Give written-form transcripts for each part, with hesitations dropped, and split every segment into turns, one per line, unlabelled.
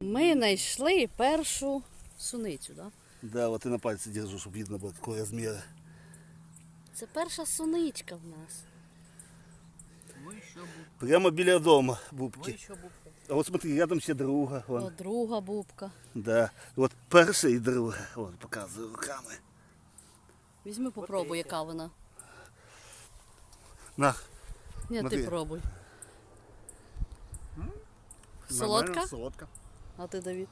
Ми знайшли першу суницю, так?
Да, вот и на пальце держу, чтобы видно было, какой размер.
Це перша суничка в нас.
Прямо біля дома бубки.
Ой, що бубка.
А вот смотри, рядом ще друга.
О,
Вон.
друга бубка.
Да. Вот перша і друга. Вот, показую руками.
Візьми, попробуй, яка вона.
На.
Ні,
Смотри.
ти пробуй.
Нормально,
Солодка?
Солодка.
А ти, Давід?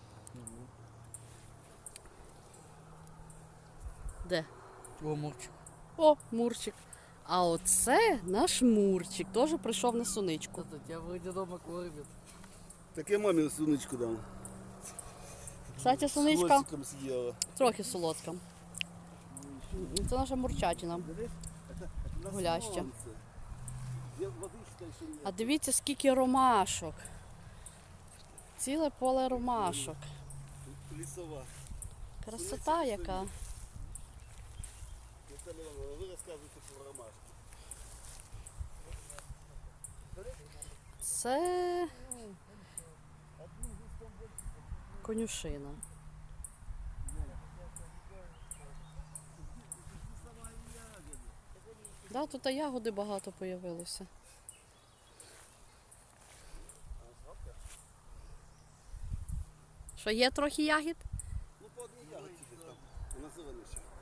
Де?
О, мурчик.
О, Мурчик. А оце наш Мурчик. Теж прийшов на суничку.
Кто-то тебя вроде дома кормит.
Так я мамі суничку дам.
Кстати,
З
суничка
хвостиком з'їла.
трохи солодка. Це наша мурчатина. Гуляща. А дивіться, скільки ромашок. Ціле поле ромашок.
Лісова.
Красота яка.
Наталя Івановна, ви розказуєте про ромашки.
Це конюшина. Да, тут і ягоди багато появилося. Що, є трохи ягід?
Ну, по одній ягодці десь там. Вона зелена ще.